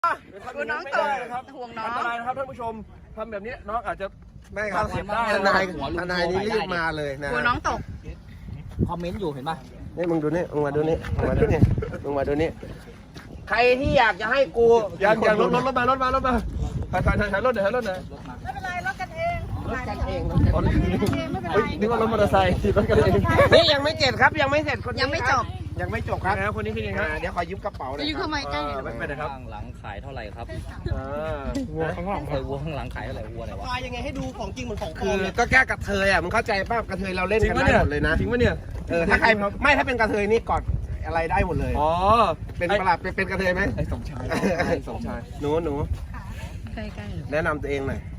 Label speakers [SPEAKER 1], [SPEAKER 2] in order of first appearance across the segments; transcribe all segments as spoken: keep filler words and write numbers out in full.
[SPEAKER 1] กูน้องตกห่วงน้อง
[SPEAKER 2] อันตรายนะครับท่านผู้ชมทำแบบนี้น้องอาจจะ
[SPEAKER 3] ไม่ครับทนายทนายนี่รีบมาเลยนะ
[SPEAKER 1] กูน้องตก
[SPEAKER 4] คอมเมนต์อยู่เห็นป่ะ
[SPEAKER 3] นี่มึงดูนี่มึงมาดูนี่มึงมาดูนี่มึงมาดูนี่ใครที่อยากจะให้กู
[SPEAKER 2] อย่างอย่างรถรถรถมารถมารถมาถ่ายถ่ายถ่ายรถเดี๋ยวถ่ายรถหน่อย
[SPEAKER 1] ไม่เป็นไรรถกันเอง
[SPEAKER 3] รถกันเอง
[SPEAKER 2] เฮ้ยนึกว่ารถมอเตอร์ไซค์รถกันเอง
[SPEAKER 3] นี่ยังไม่เสร็จครับยังไม่เสร็จคน
[SPEAKER 1] ยังไม่จบ
[SPEAKER 3] ยังไม่จบครับ
[SPEAKER 2] แล้วคนนี้คือยังไง
[SPEAKER 3] เดี๋ยวขอยืมกระเป๋าหน่อย
[SPEAKER 1] ยืมเข้ามาใกล้
[SPEAKER 2] ไม่เป็นไรครับ
[SPEAKER 4] หลังขายเท่าไหร่ครับ
[SPEAKER 2] วัวข้างหลัง
[SPEAKER 4] เคยวัวข้างหลังขายเท่าไหร่วัวไหนวะ
[SPEAKER 5] ตายยังไงให้ดูของจริงเหมือนของปล
[SPEAKER 3] คือ อก็แก้กระเทยอ่ะมึงเข้าใจป่ะกระเทยเราเล่นกันได้หมดเลยนะ
[SPEAKER 2] จริงปะเนี่ย
[SPEAKER 3] เออถ้าใครไม่ถ้าเป็นกระเทยนี่กอดอะไรได้หมดเลย
[SPEAKER 2] อ๋อ
[SPEAKER 3] เป็นประหลาดเป็นกระเทยไหม
[SPEAKER 2] ไอ้สมชายไอ้สมชาย
[SPEAKER 3] หนูหนู
[SPEAKER 1] ใกล้ๆ
[SPEAKER 3] แนะนำตัวเองหน่อย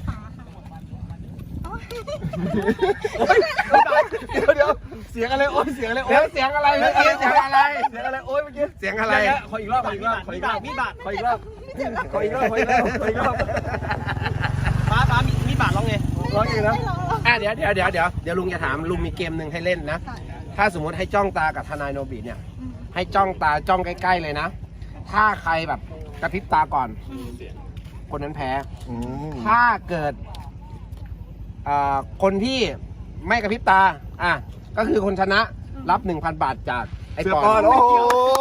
[SPEAKER 2] เดี๋ยวเดี๋ยวเสียงอะไรโอ้ยเสียงอะไรโอ้
[SPEAKER 3] เดี๋ยวย เสียงอะไรเมื่อกี้เสียงอะไร
[SPEAKER 2] เสียงอะไรโอ้ยเมื่อกี้
[SPEAKER 3] เสียงอะไร
[SPEAKER 2] ขออีกรอบขออีกรอบขออีกรอบมีบาทขออีกรอบขออีกรอบขออีกรอบขออีกรอบ
[SPEAKER 5] ป้าป้ามีมีบาทร้องไง
[SPEAKER 2] ร้องอีกนะ
[SPEAKER 3] อ่ะเดี๋ยวเดี๋ยวเดี๋ยวเดี๋ยวเดี๋ยวลุงจะถามลุงมีเกมหนึ่งให้เล่นนะถ้าสมมติให้จ้องตากับทนายโนบิเนี่ยให้จ้องตาจ้องใกล้ๆเลยนะถ้าใครแบบกระพริบตาก่อนคนนั้นแพ้ถ้าเกิดคนที่ไม่กระพริบตาอ่ะก็คือคนชนะรับ หนึ่งพัน บาทจากไอ้ปอน
[SPEAKER 2] โอ้โห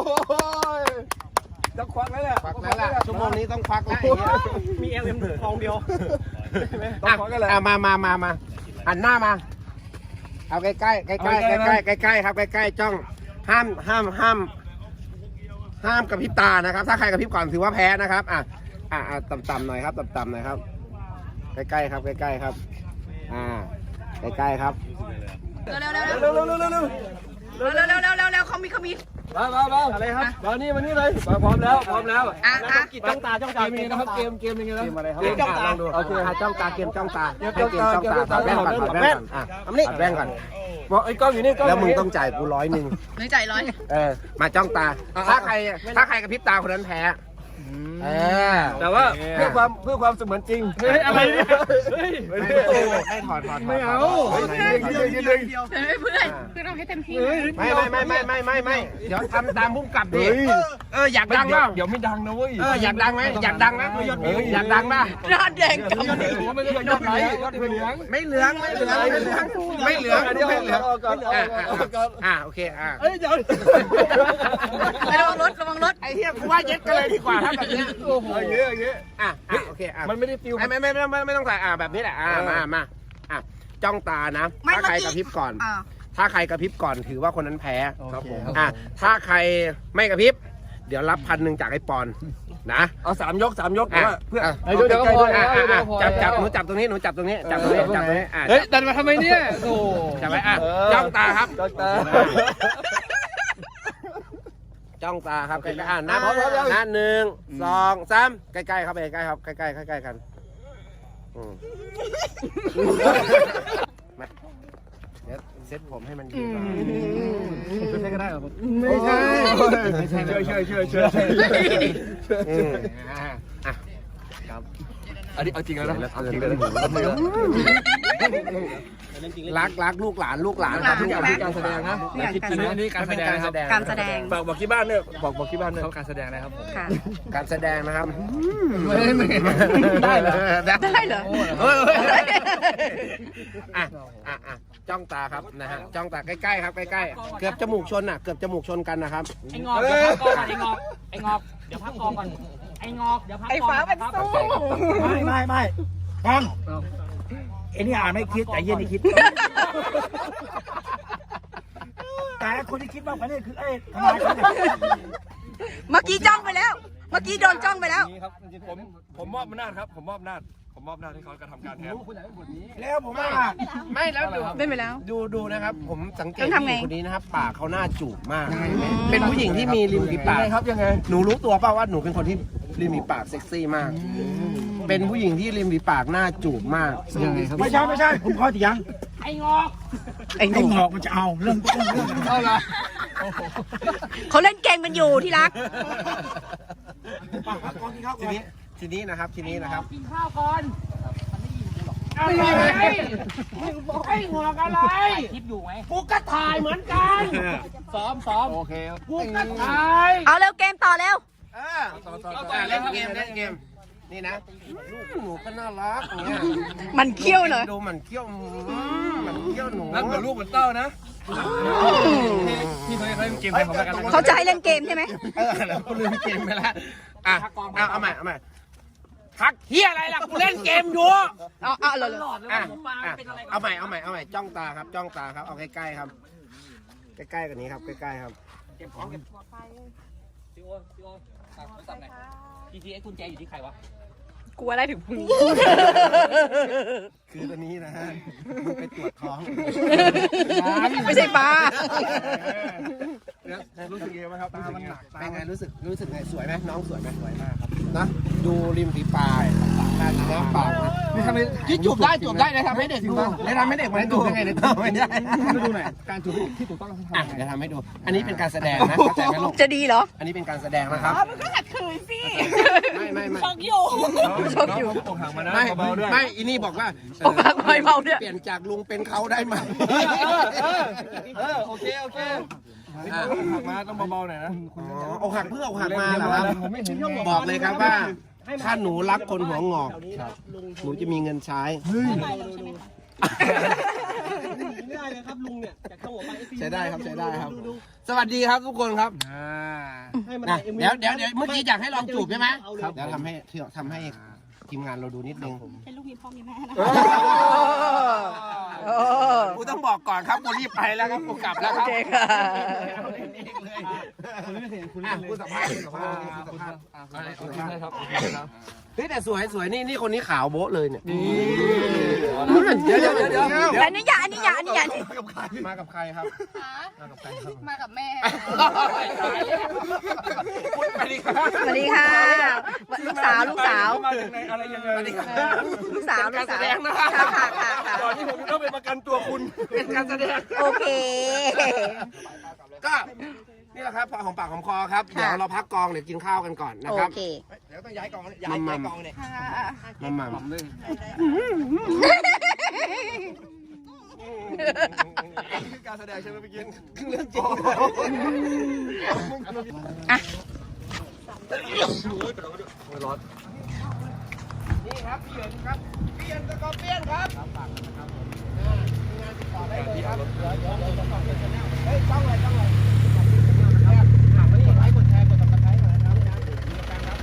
[SPEAKER 2] จะควักแล้วแหละ
[SPEAKER 3] ควักแล้วล่ะชั่วโมงนี้ต้องควักแล้ว
[SPEAKER 5] มีเอลเอ็มทองเดียว
[SPEAKER 2] ต้องควักกันแหละ
[SPEAKER 3] อ่ะมามามามาหันหน้ามาเอาใกล้ใกล้ใกล้ใกล้ใกล้ใกล้ใกล้ใกล้ครับใกล้ใกล้จ้องห้ามห้ามห้ามห้ามกระพริบตานะครับถ้าใครกระพริบก่อนถือว่าแพ้นะครับอ่ะอ่ะต่ำๆหน่อยครับต่ำๆหน่อยครับใกล้ๆครับใกล้ๆครับอ่าใกล้ๆครับ
[SPEAKER 1] เร็วเร็วเร็วเร็ว
[SPEAKER 2] เร็วเร็วเร็วเร็วเร็ว
[SPEAKER 1] เร็วเร็วเร็วเร็วเร็วเขามีเขามี
[SPEAKER 2] มามามาอะไรครับมานี่มานี่เลยมาพร้อมแล้วพร้อมแล้ว
[SPEAKER 1] อ่ะอ่ะ
[SPEAKER 5] กิจจ้องตาจ้อง
[SPEAKER 2] เก
[SPEAKER 5] ตาม
[SPEAKER 2] ยังไงนะครับเกมเกมยังไงนะ
[SPEAKER 3] เกมอะไรครับ
[SPEAKER 5] เกมจ้องตา
[SPEAKER 3] ลองดูโอเคฮะจ้องตาเกมจ้องตาให้เกม
[SPEAKER 2] จ้
[SPEAKER 3] จ้
[SPEAKER 2] อ
[SPEAKER 3] อง ง
[SPEAKER 2] ตา
[SPEAKER 3] ตาถอดแว่นก่อนถอดแว่นก่อนอ่ะถอดแว่นก่อน
[SPEAKER 2] บอกไอ้กล้องอยู่นี่กล้อง
[SPEAKER 3] แล้วมึงต้องจ่ายกูร้อยหนึ่ง
[SPEAKER 1] นึกใจร้อย
[SPEAKER 3] เออมาจ้องตาถ้าใครถ้าใครกระพริบตาคนนั้นแพ้เออ
[SPEAKER 2] แต่ว่าเพื่อความเพื่อความเสมือนจริงเฮ้ยอะไรเนี่ยเฮ้ย
[SPEAKER 3] ให้ถอดถอด
[SPEAKER 2] ไม่เอา
[SPEAKER 1] เดี๋ยวเพื่อนเพื่อนเราให้เต็มที่
[SPEAKER 3] ไม่ไม่ไม่ไม่ไม่ไม่ไม่เดี๋ยวทำตามพุ่มกลับดิเอออยากดัง
[SPEAKER 2] เดี๋ย
[SPEAKER 3] เปล่า
[SPEAKER 2] เดี๋ยวไม่ดังนะเว้ย
[SPEAKER 3] เอออยากดังไหมอยากดังไหมอยากดังป่ะ
[SPEAKER 1] หน้าแดงกำ
[SPEAKER 2] ยอดผมไม่ได้ยอดไหลยอดเหลือง
[SPEAKER 3] ไม่เหลืองไม่เหลืองไม่เหลืองไม่เหลืองไม่เหลืองอ่าอ่าโอเคอ่า
[SPEAKER 2] เอ้ยเดี๋ยว
[SPEAKER 1] ระวังรถระวังรถ
[SPEAKER 3] ไอ้เหี้ยกูว่าเย็ดกันเลยดีกว่าถ้าแบบนี้
[SPEAKER 2] โอ้โหอย่างเงี้ยอย่างเงี้ย
[SPEAKER 3] อ่ะโอเคอ่ะ
[SPEAKER 2] มันไม่ได้ฟิล
[SPEAKER 3] ไม่ไม่ไม่ไม่ไม่ต้องใส่อ่าแบบนี้แหละอ่ามามาอ่ะจ้องตานะถ้าใครกระพริบก่อนถ้าใครกระพริบก่อนถือว่าคนนั้นแพ้
[SPEAKER 2] ครับผม
[SPEAKER 3] อ่ะถ้าใครไม่กระพริบเดี๋ยวรับพันหนึ่งจากไอ้ปอนนะ
[SPEAKER 2] เอาสามยกสามยก
[SPEAKER 3] อ่ะ
[SPEAKER 2] ว่าเพื่อ
[SPEAKER 3] เดี๋ยวเดี๋ยวก็พอจับจับหนูจับตรงนี้หนูจับตรงนี้จับตรงนี้จับตรงนี้อ่ะ
[SPEAKER 2] เฮ้ยดันมาทำไมเนี่ยโอ้
[SPEAKER 3] จับไว้อ่ะจ้องตาครับ
[SPEAKER 2] จ้องตา
[SPEAKER 3] จ้องตาครับใกล้ๆอ่ะนับนับหนึ่งสองสามใกล้ๆครับใกล้ๆครับใกล้ๆใกล้ๆกันอืมมาเดี๋ยวเซ็ตผมให้มันดีก่อน
[SPEAKER 2] ใช่ก็ได้หรอไม่ใช่ไม่ใช่เชื่อเชื่อเชื่อเชื่อ
[SPEAKER 3] อืมอ่ะ
[SPEAKER 2] ครับอันนี้เอาจริงแล้วนะเอาจริงเลย
[SPEAKER 3] รักรักลูกหลานลูกหลานครับลูกหลาน
[SPEAKER 2] การแสดงนะคิดจริงนะนี่การแสดงครับ
[SPEAKER 1] การแสดง
[SPEAKER 2] บอกบอกที่บ้านเนี่ยบอกบอกที่บ้านเนี่ยเขาการแสดงนะครับผม
[SPEAKER 1] ค่ะ
[SPEAKER 3] การแสดงนะครับ
[SPEAKER 2] ได้เหรอ
[SPEAKER 1] ได้เหรอ
[SPEAKER 3] เฮ้ยอ่ะอ่ะอ่ะจ้องตาครับนะฮะจ้องตาใกล้ๆครับใกล้ๆเกือบจมูกชนอ่ะเกือบจมูกชนกันนะครับ
[SPEAKER 4] ไอ้งอกเดี๋ยวพักกองก่อนไอ้งอกไอ้งอกเดี๋ยวพักกองก่อนไอ้งอกเดี๋ยวพักกอง
[SPEAKER 1] ไอ้ฟ้าเป็นสู้
[SPEAKER 5] ไม่ไม่ไม่ฟังไอ้นี่อ่านไม่คิดแต่เย็นนี่คิด แต่คนที่คิดมากกว่านี้คือไอ้ทำไมเขาเนี่ย
[SPEAKER 1] เมื่อกี้จ้องไปแล้ว เมื่อกี้โดนจ้องไปแล้ว
[SPEAKER 2] นี่ครับผมผมมอบอำนาจครับผมมอบอำนาจผมมอบอำนาจให้เขากระทำการแทน
[SPEAKER 5] แล้วผมว่า
[SPEAKER 3] ไม่แล้วดู
[SPEAKER 1] เล่นไปแล้ว
[SPEAKER 3] ดูดูนะครับ ผมสังเกต
[SPEAKER 1] ต้องทำไง
[SPEAKER 3] ผู้หญิงคนนี้นะครับปากเขาหน้าจูบมาก เป็นผู้หญิงที่มีริมฝีปาก
[SPEAKER 2] ครับยังไง
[SPEAKER 3] หนูรู้ตัวเปล่าว่าหนูเป็นคนที่ริมฝีปากเซ็กซี่มาก เป็นผู้หญิงที่ริมฝีปากหน้าจูบมาก
[SPEAKER 5] ไม่ใช่ไม่ใช่ผมขอเถียง
[SPEAKER 4] ไอ้งอก
[SPEAKER 1] ไอ้
[SPEAKER 5] ไอ้หงอกมันจะเอาเรื่องต้นเรื่อง
[SPEAKER 2] เอาละ
[SPEAKER 1] เขาเล่นเกมกันอยู่ที่รัก
[SPEAKER 5] ปากกองที่เขา
[SPEAKER 3] ทีนี้ทีนี้นะครับทีนี้นะครับ
[SPEAKER 4] กินข้าวก่อนอะไรมึงบอกไอ้งอกอะไรคลิปอยู่ไหมกูก็ถ่ายเหมือนกันซ้อมซ้อม
[SPEAKER 2] โอเค
[SPEAKER 4] กูก็ถ่าย
[SPEAKER 1] เอาเร็วเกมต่อเร็ว
[SPEAKER 3] เเอออ่ะเล่นเกมเล่นเกมนี่นะหนูก็น่ารักอย่างเงี้ย
[SPEAKER 1] มันเขี้ยวเหรอ
[SPEAKER 3] ดูมันเขี้ยวมันเขี้ยวหนู
[SPEAKER 2] รักเหมือนลูกเหมือนเต้านะพี่เคยเคยเกมใครของกัน
[SPEAKER 1] เขาจะให้เล่นเกมใช่ไหม
[SPEAKER 3] เออแล้วกูลืมเกมไปแล้วอ่ะเอาเอาใหม่เอาใหม่ทักเฮียอะไรล่ะกูเล่นเกมอยู่
[SPEAKER 1] เอาเอาเลย
[SPEAKER 3] อ่ะอ่ะเอาใหม่เอาใหม่เอาใหม่จ้องตาครับจ้องตาครับเอาใกล้ๆครับใกล้ๆกันนี้ครับใกล้ๆครับ
[SPEAKER 4] เก็บของเก็บพี่โอพี่โอตัดโทรศัพท์หน่อยพีทีไอ้กุญแจอยู่ที่ใครวะ
[SPEAKER 1] กลัวอะไรถึงพึ่ง
[SPEAKER 3] คือตอนนี้นะฮะมึงไปตรวจท้อง
[SPEAKER 1] ไม่ใช่ปลา
[SPEAKER 2] รู้สึกยังไงบ้างครับตามันหนัก
[SPEAKER 3] เป็นไงรู้สึกรู้สึกไงสวยไหมน้องสวยไหมสวยมากครับนะดูริมฝีปลายนะปากนะ
[SPEAKER 2] นี่ทำไม
[SPEAKER 3] ที่จูบได้จูบได้นะทำให้เด็กดูแล้วทำให้เด็กมันจูบยังไงเนี่ยไม่ได้
[SPEAKER 2] มาดูหน่อยการจูบที่ถูกต้อง
[SPEAKER 3] อ่ะเดี๋ยวทำให้ดู อันนี้เป็นการแสดงนะเข้าใจไหมลูก
[SPEAKER 1] จะดีเหรอ
[SPEAKER 3] อันนี้เป็นการแสดงนะครับ
[SPEAKER 1] มันก็ขัดขืนสิ
[SPEAKER 3] ไม่ไม่ไม่
[SPEAKER 1] ชอบอยู่
[SPEAKER 2] ชอบอยู่อกหักมานะ
[SPEAKER 3] ไม่
[SPEAKER 2] เบาๆด้วย
[SPEAKER 3] ไม่อีนี่บอกว่า
[SPEAKER 1] อกหักเบาๆด้วย
[SPEAKER 3] เปลี่ยนจากลุงเป็นเขาได้ไหม
[SPEAKER 2] เออโอเคโอเคหักมาต้องเบาๆหน่อยนะ
[SPEAKER 3] อ๋ออกหักเพื่ออกหักมาเหรอครับบอกเลยครับว่า ถ้าหนูรักคนหัวงอกหนูจะมีเงินใช้ใช้ได้ครับใช้ได้ครับ สวัสดีครับทุกคนครับนะเดี๋ยวเดี๋ยวเดี๋ยวเมื่อกี้อยากให้ลองจูบใช่ไหมเดี๋ยวทำให้ทำให้ทีมงานเราดูนิดนึง
[SPEAKER 1] เป็นลูกมีพ่อมีแม่นะ
[SPEAKER 3] กูต้องบอกก่อนครับกูรีบไปแล้วครับกูกลับแล้วครับ
[SPEAKER 1] โอเคค่ะ
[SPEAKER 3] อ่ะกูสัมภาษณ์กูสัมภาษณ์กูสัมภาษณ์โอเคครับเฮ้ยแต่สวยสวยนี่นี่คนนี้ขาวโบ๊ะเลยเนี่ยเดี๋ยวเดี๋ยวเดี๋ยวเดี๋ยว
[SPEAKER 1] อันนี้อย่าอันนี้อย่าอันนี้อย่า
[SPEAKER 3] มากับใครครับ
[SPEAKER 1] มากับแม่
[SPEAKER 3] สวัสดีครับ
[SPEAKER 1] สวัสดีค่ะ ลูกสาวลูกสาว
[SPEAKER 2] มาจากไหนอะไรยังไง
[SPEAKER 1] ลูกสาวลู
[SPEAKER 3] การ
[SPEAKER 1] ก
[SPEAKER 3] แส
[SPEAKER 1] สาว
[SPEAKER 3] ดงนะครับ
[SPEAKER 1] ค่ะค่ะค่ะค่ะ
[SPEAKER 2] ก่อนที่ผมจะต้องไปประกันตัวคุณ
[SPEAKER 3] เป็นการแสดง
[SPEAKER 1] โอเค
[SPEAKER 3] ก็นี่แหละครับพอของปากของคอครับเดี๋ยวเราพักกองเดี๋ยวกินข้าวกันก่อนนะ
[SPEAKER 1] โอ
[SPEAKER 3] ครับ
[SPEAKER 1] เค
[SPEAKER 5] เดี๋ยวต้องย้ายกองย้ายย้ายกองเนี่ย
[SPEAKER 3] มัมมัมมัม
[SPEAKER 2] คือการแสดงใช่ไหมพี่กิน
[SPEAKER 3] เรื่องจริง
[SPEAKER 1] อ่ะ
[SPEAKER 2] ร้อน
[SPEAKER 3] นี่ครับพี่เหยินครับพี่เหยินสกอร์เปียนครับงานติดต่อได้เลยครับเดี๋ยวเดี๋ยวเดี๋ยวสองคนชาแนลเฮ้ยจ้องเลยจ้องเลยถามว่านี่ไลค์กดแชร์กดติดตามหน่อยนะครับมีการรับ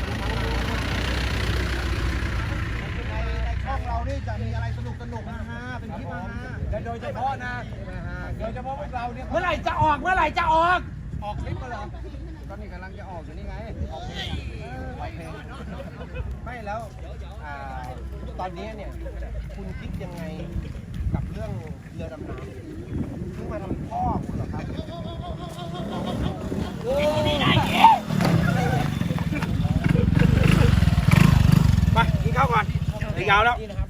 [SPEAKER 5] ช่องเรานี่จะมีอะไรสนุกสนุกนะฮะเป็นคลิปนะฮะและโดยเฉพาะนะโดยเฉพาะพวกเราเนี่ย
[SPEAKER 3] เมื่อไหร่จะออกเมื่อไหร่จะออก
[SPEAKER 5] ออกคลิปมาเหรอก็นี่กำลังจะออกอยู่นี่ไงออกเพลงออกเพลงไม่แล้วอ่าตอนนี้เนี่ยคุณคิดยังไงกับเรื่องเรือดำน้ำเพิ่งมาทำพ่อคุณเหรอครับ
[SPEAKER 2] มากินข้าวก่อนยาวแล้ว
[SPEAKER 5] นี่นะครับ